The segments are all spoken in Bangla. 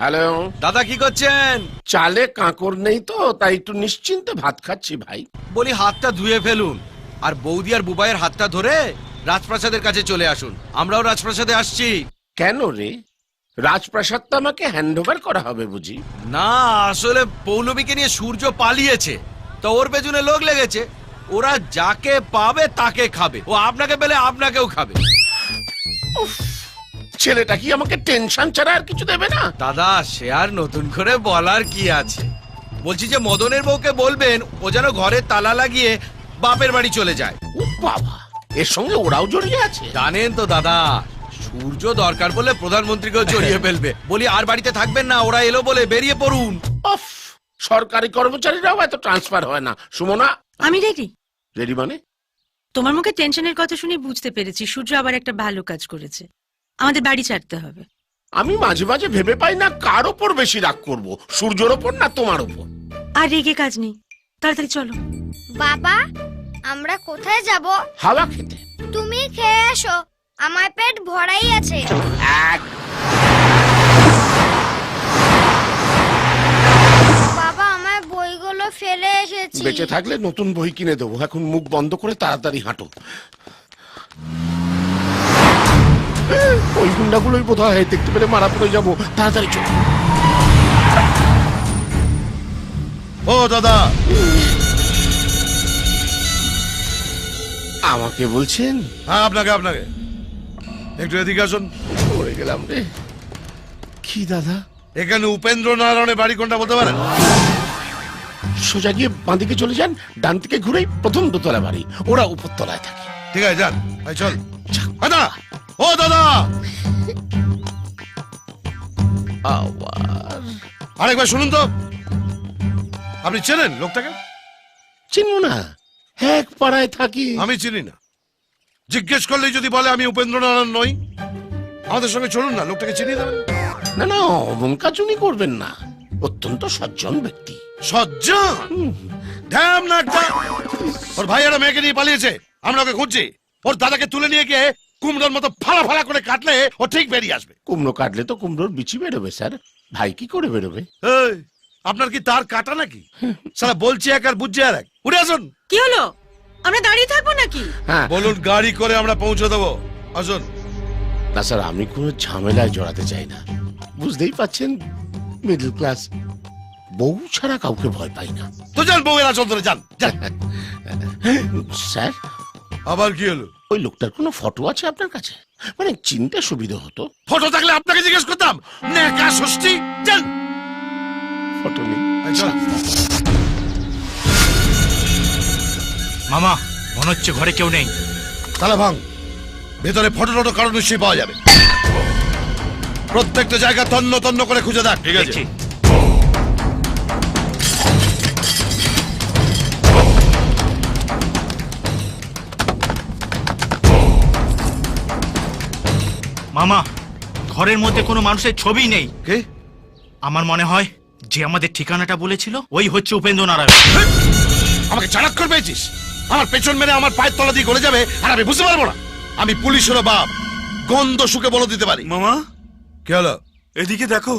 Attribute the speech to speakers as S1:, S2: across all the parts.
S1: হ্যালো
S2: দাদা কি করছেন?
S1: চালে কাঁকর নেই তো তাই একটু নিশ্চিন্তে ভাত খাচ্ছি ভাই।
S2: বলি হাতটা ধুয়ে ফেলুন আর বৌদি আর বুবাইয়ের হাতটা ধরে রাজপ্রাসাদের কাছে চলে আসুন। আমরাও রাজপ্রাসাদে আসছি।
S1: কেন রে, রাজপ্রাসাদটা আমাকে হ্যান্ড ওভার করা হবে বুঝি?
S2: না, আসলে পৌলমীকে নিয়ে সূর্য পালিয়েছে, তো ওর পেছনে লোক লেগেছে। ওরা যাকে পাবে তাকে খাবে, ও আপনাকে পেলে আপনাকেও খাবে।
S1: ছেলেটা কি আমাকে টেনশন ছাড়া আর কিছু দেবে না?
S2: দাদা সে আর নতুন করে বলার কি আছে, বলছি যে মদনের বউকে বলবেন ও যেন ঘরে তালা লাগিয়ে বাপের বাড়ি চলে যায়।
S1: ও বাবা, এর সঙ্গে ওরাও জড়িয়ে আছে?
S2: জানেন তো দাদা, সূর্য দরকার বলে প্রধানমন্ত্রীকেও জড়িয়ে ফেলবে। বলি আর বাড়িতে থাকবেন না, ওরা এলো বলে বেরিয়ে পড়ুন।
S1: অফ, সরকারি কর্মচারীরাও এত ট্রান্সফার হয় না। সুমনা,
S3: আমি রেডি।
S1: রেডি মানে?
S3: তোমার মুখে টেনশনের কথা শুনে বুঝতে পেরেছি সূর্য আবার একটা ভালো কাজ করেছে। আমাদের বাড়ি ছাড়তে হবে।
S1: আমি মাঝে মাঝে ভেবে পাই না কার ওপর বেশি রাগ করব, সূর্যর ওপর না তোমার ওপর।
S3: আর রেগে কাজ নেই, তাড়াতাড়ি চলো।
S4: বাবা, আমরা কোথায় যাব?
S1: হাওয়া খেতে।
S4: তুমি খেয়ে এসো, আমার পেট ভরাই আছে। বাবা, আমার বইগুলো ফেলে এসেছি।
S1: বেঁচে থাকলে নতুন বই কিনে দেবো, এখন মুখ বন্ধ করে তাড়াতাড়ি হাঁটো। ওই গুন্ডাগুলোই বোধ হয়, দেখতে পেলে মারা পড়ে যাবো, তাড়াতাড়ি চলো।
S5: ও দাদা,
S1: আমাকে বলছেন?
S5: হ্যাঁ আপনাকে আপনাকে একটু এদিকে আসুন।
S1: পড়ে গেলাম রে। কি দাদা?
S5: এখানে উপেন্দ্র নারায়ণের বাড়ি কোনটা বলতে পারেন?
S1: সোজা গিয়ে বাঁদিকে চলে যান, ডান থেকে ঘুরেই প্রথম দোতলা বাড়ি, ওরা উপর তলায় থাকে।
S5: ঠিক আছে যান, এই চল। দাদা, ও দাদা,
S1: আবার
S5: আরেকবার শুনুন তো। আপনি চেনেন লোকটাকে?
S1: চিনব না, এক পাড়ায় থাকি।
S5: আমি চিনি না। জিজ্ঞেস করলেই যদি বলে আমি উপেন্দ্র নারায়ণ নই, আমাদের সঙ্গে চলুন না, লোকটাকে চিনিয়ে দেবেন।
S1: না না, অমন কাজ উনি করবেন না, অত্যন্ত সজ্জন ব্যক্তি।
S5: সজ্জন? ধ্যাম না একটা। ওর ভাইয়েরা মেয়েকে নিয়ে পালিয়েছে, আমরা ওকে খুঁজছি। ওর দাদাকে তুলে নিয়ে গিয়ে কুমড়োর মতো ফালা ফালা করে কাটলে ও ঠিক বেরিয়ে আসবে।
S1: কুমড়ো কাটলে তো কুমড়োর বিচি বেরোবে স্যার, ভাই কি করে বেরোবে?
S5: এই, আপনার কি তার কাটা নাকি? সারা বলছি এক আর বুঝছে আর এক। উঠে আসুন।
S3: কি হলো, আমরা দাঁড়িয়ে থাকবো নাকি?
S1: হ্যাঁ
S5: বলুন, গাড়ি করে আমরা পৌঁছে দেবো। আসুন।
S1: না স্যার, আমি কোনো ঝামেলায় জড়াতে চাই না, বুঝতেই পাচ্ছেন মিডল ক্লাস, বউ ছাড়া কাউকে ভয় পাই না।
S5: তো যান, বউয়ের আসল ধরে যান যান।
S1: স্যার,
S5: আবার কি হলো?
S1: ওই লোকটার কোনো ফটো আছে আপনার কাছে? মানে চিনতে সুবিধা হতো।
S5: ফটো থাকলে আপনাকে জিজ্ঞেস করতাম। নেকা ষষ্ঠী, যান।
S1: ফটো নেই।
S5: এই চল।
S6: মামা, মনে হচ্ছে ঘরে কেউ নেই।
S5: তালা ভাঙ, ভেতরে ফটো টটো কারণ নিশ্চয়ই পাওয়া যাবে। প্রত্যেকটা জায়গা তন্ন তন্ন করে খুঁজে দেখ। ঠিক আছে।
S6: মামা, ঘরের মধ্যে কোনো মানুষের ছবি নেই।
S5: কে?
S6: আমার মনে হয় যে আমাদের ঠিকানাটা বলেছিল ওই হচ্ছে উপেন্দ্র নারায়ণ।
S5: আমাকে চাণাক্ষর পেয়েছিস? আমার পেছন মেরে আমার পায়ের তলা দিয়ে গলে যাবে আর আমি বুঝতে পারবো না? আমি পুলিশেরও বাপ, গন্ধ শুকে বলে দিতে পারি।
S7: মামা,
S5: কে হলো?
S7: এদিকে দেখো।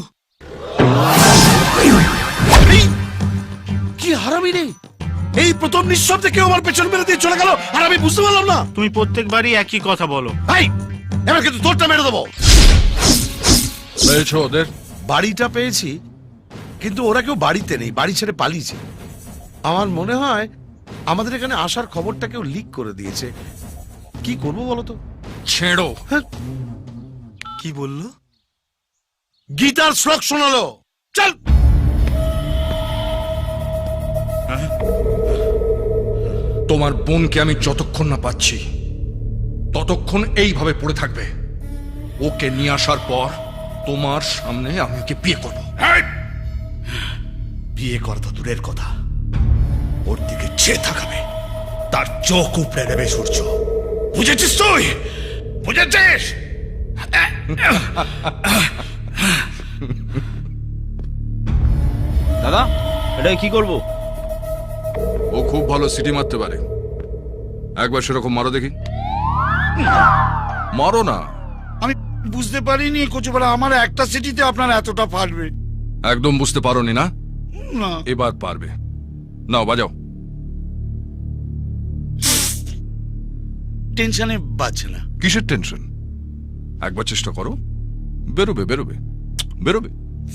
S5: এই, কি হারামি রে! এই প্রথম নিঃশব্দে কেউ আমার পেছন মেরে দিয়ে চলে গেল আর আমি বুঝতে পারলাম না।
S6: তুমি প্রত্যেকবারই একই কথা বলো।
S5: ভাই, এবার কিন্তু তোরটা মেরে দেবো।
S7: পেয়েছো ওদের?
S5: বাড়িটা পেয়েছি, কিন্তু ওরা কেউ বাড়িতে নেই, বাড়ি ছেড়ে পালিয়েছে। আমার মনে হয় আমাদের এখানে আসার খবরটা কেউ লিক করে দিয়েছে। কি করবো বলতো?
S7: ছেড়ো।
S5: হ্যাঁ,
S7: কি বললো?
S5: গীতার শ্লোক শোনালো। চল।
S7: তোমার বোনকে আমি যতক্ষণ না পাচ্ছি ততক্ষণ এইভাবে পড়ে থাকবে। ওকে নিয়ে আসার পর তোমার সামনে আমি ওকে বিয়ে করব।
S5: বিয়ে করা তো দূরের কথা, ওর দিকে চেয়ে থাকাবে, তার চোখ উপড়ে নেবে সূর্য। বুঝেছিস তুই? বুঝেছিস?
S2: দাদা এটা কি করব?
S7: ও খুব ভালো সিটি মারতে পারে, একবার সেরকম মারো দেখি। মারো না।
S8: বুঝতে পারিনি কচুপাড়া আমার একটা সিটিতে আপনার এতটা ফাটবে।
S7: একদম বুঝতে পারোনি না,
S8: না
S7: এবার পারবে। নাও বাজাও।
S8: টেনশনে বাজছে না।
S7: কিসের টেনশন? একবার চেষ্টা করো, বেরোবে বেরোবে বেরোবে।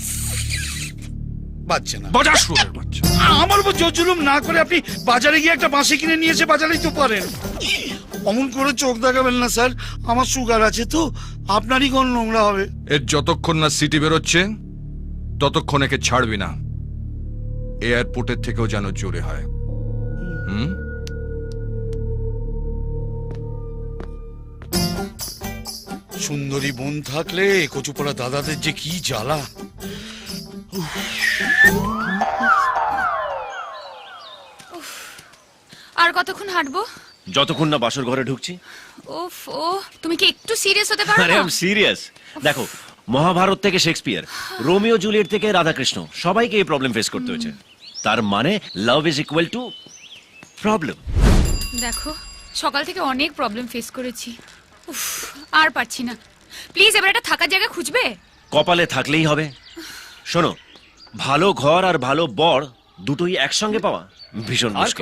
S8: বাজছে না।
S7: বাজার শুরুর বাচ্চা।
S8: আমার উপর জোর জুলুম না করে আপনি বাজারে গিয়ে একটা বাঁশি কিনে নিয়ে এসে বাজারেই তো পারেন। অমন করে চোখ দেখাবেন না স্যার, আমার সুগার আছে তো, আপনারই কোন নোংরা হবে।
S7: এর যতক্ষণ না সিটি বেরোচ্ছে ততক্ষণ একে ছাড়বি না। এয়ারপোর্টের থেকেও যেন জোরে হয়। হুম?
S8: সুন্দরী বোন থাকলে কচুপাড়া দাদাদের যে কি জ্বালা।
S9: আর কতক্ষণ হাঁটবো?
S10: যতক্ষণ না বাসর ঘরে ঢুকছি।
S9: ওফ ও, তুমি কি একটু সিরিয়াস হতে পারো
S10: আরে
S9: না?
S10: আমি সিরিয়াস। দেখো, মহাভারত থেকে শেক্সপিয়ার, রোমিও জুলিয়েট থেকে রাধাকৃষ্ণ, সবাইকে এই প্রবলেম ফেস করতে হয়েছে। তার মানে love is equal to problem.
S9: দেখো, সকাল থেকে অনেক প্রবলেম ফেস করেছি। উফ, আর পারছি না। প্লিজ এবার একটা থাকার জায়গা খুঁজবে?
S10: কপালে থাকলেই হবে। শোনো, ভালো ঘর আর ভালো বর দুটোই একসঙ্গে পাওয়া ভীষণ মুশকিল।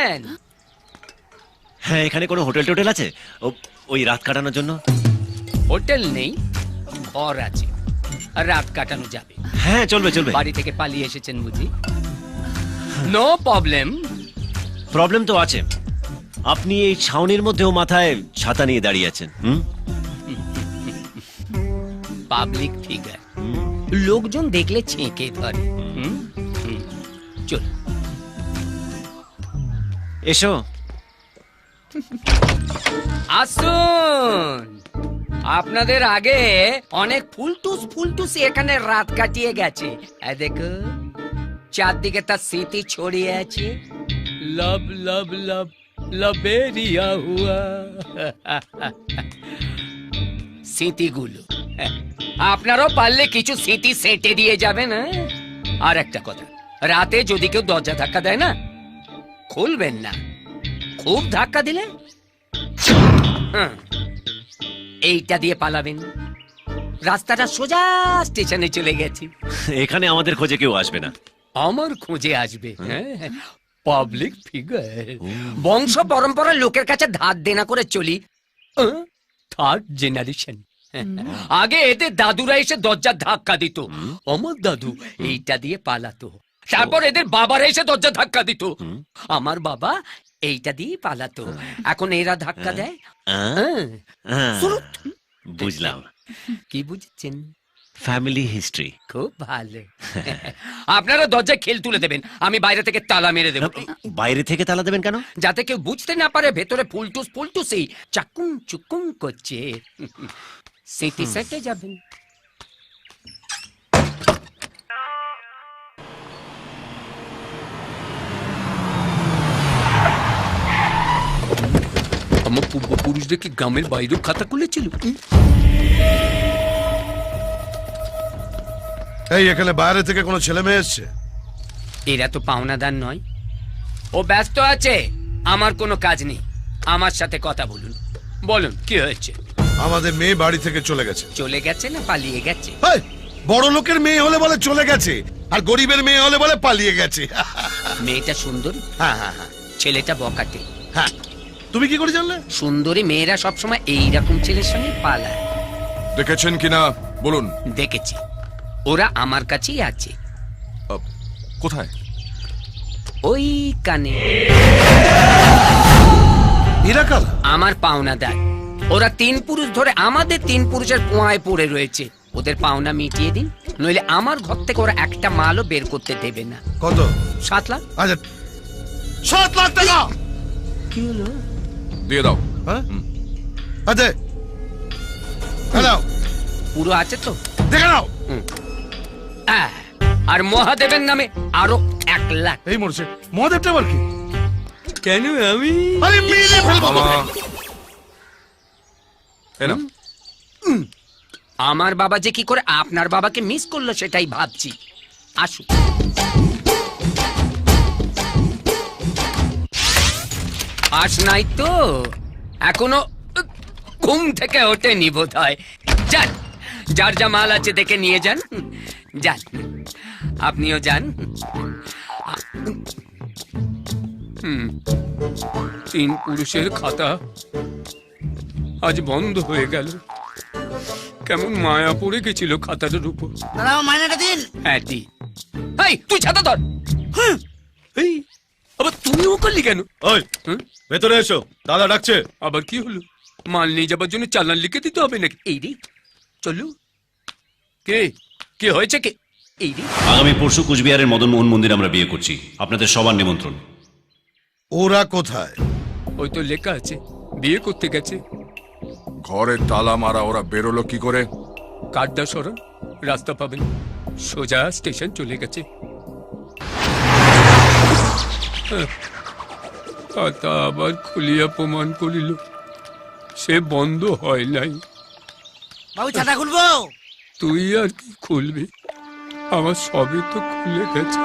S10: হ্যাঁ, এখানে কোনো হোটেল টোটেল আছে ওই রাত কাটানোর জন্য?
S11: হোটেল নেই, ঘর আছে, আর রাত কাটানো যাবে।
S10: হ্যাঁ, চলবে চলবে।
S11: বাড়ি থেকে পালিয়ে এসেছেন বুঝি? No problem.
S10: প্রবলেম তো আছে। আপনি এই ছাউনির মধ্যেও মাথায় ছাতা নিয়ে দাঁড়িয়ে আছেন।
S11: পাবলিক ফিগার, লোকজন দেখলে ছেঁকে ধরে। চল
S10: এসো।
S11: আসুন। আপনাদের আগে অনেক ফুলটুস এখানে রাত কাটিয়ে গেছে। দেখো, চারদিকে তার স্মৃতি ছড়িয়ে আছে। লব লব লব লবেরিয়া হুয়া। স্মৃতিগুলো আপনারাও পারলে কিছু স্মৃতি সেটে দিয়ে যাবেন। আর একটা কথা, রাতে যদি কেউ দরজা ধাক্কা দেয় না, খুলবেন না। খুব ধাক্কা দিলে এইটা দিয়ে পালাবেন। রাস্তাটা সোজা স্টেশনে চলে গেছি।
S10: এখানে আমাদের খোঁজে কেউ আসবে না।
S11: আমার খোঁজে আসবে পাবলিক ফিগার। বংশ পরম্পরার লোকের কাছে ধার দেনা করে চলি। Third generation. আগে এদের দাদুরা এসে দরজার ধাক্কা দিত, আমার দাদু এইটা দিয়ে পালাতো। তারপর এদের বাবারা এসে দরজা ধাক্কা দিত, আমার বাবা এইটা দিয়ে পালাতো। এখন এরা ধাক্কা দেয়।
S10: বুঝলাম।
S11: কি বুঝছেন?
S10: Family history.
S11: খুব ভালো। আপনারা দরজায় খেল তুলে দেবেন, আমি বাইরে থেকে তালা মেরে দেব।
S10: বাইরে থেকে তালা দেবেন কেন?
S11: যাতে কেউ বুঝতে না পারে ভেতরে ফুলটুসি চাকুম চুকুম করছে। স্মৃতি সেটে যাবেন। আমার পূর্বপুরুষদের কি গ্রামের বাইরেও খাতা খুলেছিল?
S5: এই এখানে বাইরে থেকে কোনো ছেলে মেয়ে এসছে?
S11: এরা তো পাওনাদার নয়। ও ব্যস্ত আছে, আমার কোনো কাজ নেই। আমার সাথে কথা বলুন। বলুন কি হয়েছে?
S5: আমাদের মেয়ে বাড়ি থেকে চলে গেছে।
S11: চলে গেছে না পালিয়ে গেছে?
S5: বড় লোকের মেয়ে হলে বলে চলে গেছে, আর গরিবের মেয়ে হলে বলে পালিয়ে গেছে।
S11: মেয়েটা সুন্দরী,
S5: হ্যাঁ হ্যাঁ হ্যাঁ।
S11: ছেলেটা বকাটে।
S5: হ্যাঁ, তুমি কি করে জানলে?
S11: সুন্দরী মেয়েরা সবসময় এইরকম ছেলের সঙ্গে পালায়।
S7: দেখেছেন কিনা বলুন।
S11: দেখেছি, ওরা আমার কাছেই আছে।
S7: কোথায়?
S11: ওই কানে।
S5: এরা কাল
S11: আমার পাওনাদার। ওরা 3 পুরুষ ধরে আমাদের 3 পুরুষের পোঁয়ায় পড়ে রয়েছে। ওদের পাওনা মিটিয়ে দিন, নইলে আমার ঘর থেকে ওরা একটা মালও বের করতে দেবে না।
S5: কত?
S11: 7 লাখ।
S5: আচ্ছা, 7 লাখ টাকা।
S11: কি হলো?
S7: দিয়ে দাও।
S5: হ্যাঁ, আচ্ছা হ্যালো,
S11: পুরো আছে তো?
S5: দেখে নাও।
S11: আর মহাদেবের নামে আরো 1 লাখ।
S5: এই মরছে মহাদেবটা আবার কি?
S11: কেন আমি?
S5: আরে মেরে ফেলবো।
S11: আমার বাবা যে কি করে আপনার বাবাকে মিস করলো সেটাই ভাবছি। আসুন। আস নাই তো? এখনো ঘুম থেকে ওঠেনি বোধ হয়। যান, যার যা মাল আছে দেখে নিয়ে যান। যান, আপনিও যান। তিন পুরুষের খাতা আজ বন্ধ হয়ে গেল। কেমন মায়া পড়ে গেছিল খাতাটার উপর।
S8: দাদা মাইনাটা দিন।
S11: হ্যাঁ দি। এই তুই ছাতা ধর। এই আবার তুমিও করলি কেন?
S2: ওই ভেতরে এসো, দাদা ডাকছে।
S11: আবার কি হলো? মাল নিয়ে যাবার জন্য চালান লিখে দিতে হবে নাকি? এই রে চলো। কে কে হয়েছে কে? এই রে
S10: আগামী পরশু কুচবিহারের মদন মোহন মন্দির আমরা বিয়ে করছি, আপনাদের সবার নিমন্ত্রণ।
S5: ওরা কোথায়?
S11: ওই তো লেখা আছে বিয়ে করতে গেছে।
S7: ঘরে তালা মারা, ওরা বেরোলো কি করে?
S11: কাড্ডা সরণ, রাস্তা পাবেন, সোজা স্টেশন চলে গেছে। খাতা আবার খুলিয়া প্রমাণ করিল সে বন্ধ হয় নাই।
S8: বাবু ছাতা খুলবো?
S11: তুই আর কি খুলবি? আমার সবই তো খুলে গেছে।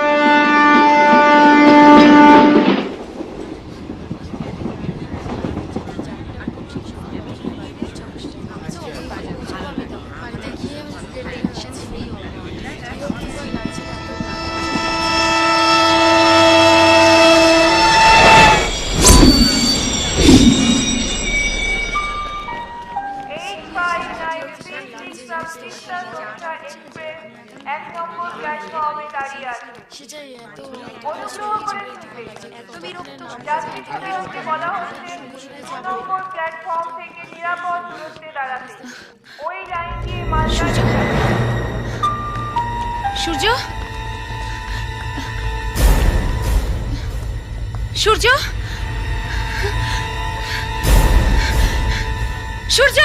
S9: সূর্য, সূর্য, সূর্য,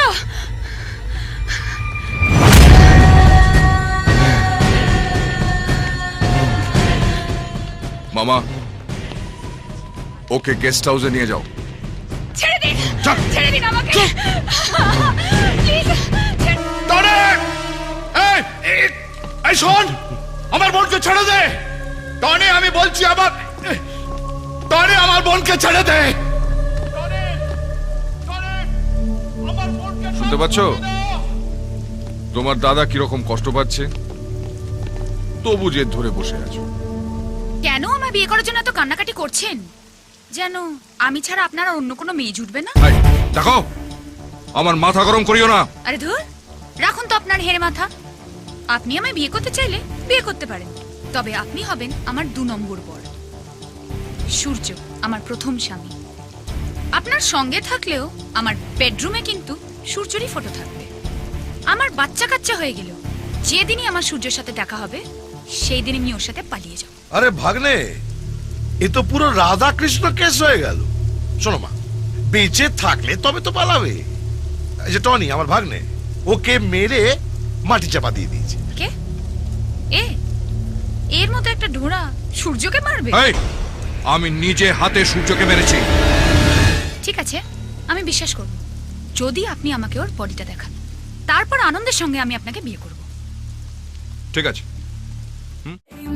S7: মামা, ওকে গেস্ট হাউসে নিয়ে যাও।
S9: ছেড়ে দিন, ছেড়ে দিন আমাকে প্লিজ।
S5: এই শোন, আমার বোনকে ছেড়ে দে। টনি, আমি বলছি আমার বোনকে ছেড়ে দে।
S7: শুনতে পাচ্ছ তোমার দাদা কিরকম কষ্ট পাচ্ছে? তবু জেদ ধরে বসে আছো।
S9: কেন আমায় বিয়ে করার জন্য এত কান্নাকাটি করছেন? যেন আমি ছাড়া আপনার আর অন্য কোনো মেয়ে জুটবে না।
S7: দেখো, আমার মাথা গরম করিও না।
S9: আরে ধুর, রাখুন তো আপনার হেরে মাথা। আপনি আমায় বিয়ে করতে চাইলে বিয়ে করতে পারেন, তবে আপনি হবেন আমার 2 নম্বর বর। সূর্য আমার প্রথম স্বামী। আপনার সঙ্গে থাকলেও আমার বেডরুমে কিন্তু সূর্যরই ফটো থাকবে। আমার বাচ্চা কাচ্চা হয়ে গেল, যেদিনই আমার সূর্যের সাথে দেখা হবে সেই দিন আমি ওর সাথে পালিয়ে যাব।
S5: আরে ভাগ্নে, এ তো পুরো রাধা কৃষ্ণ কেস হয়ে গেল। শোনো মা, বেঁচে থাকলে তবে তো পালাবে। এই যে টনি, আমার ভাগ্নে, ওকে মেরে মাটি চাপা দিয়ে দিয়েছে।
S9: কে? এর মতো একটা ঢোড়া সূর্যকে মারবে?
S7: আমি নিজে হাতে সূর্যকে মেরেছি।
S9: ঠিক আছে, আমি বিশ্বাস করব যদি আপনি আমাকে ওর বডিটা দেখান। তারপর আনন্দের সঙ্গে আমি আপনাকে বিয়ে করব।
S7: ঠিক আছে।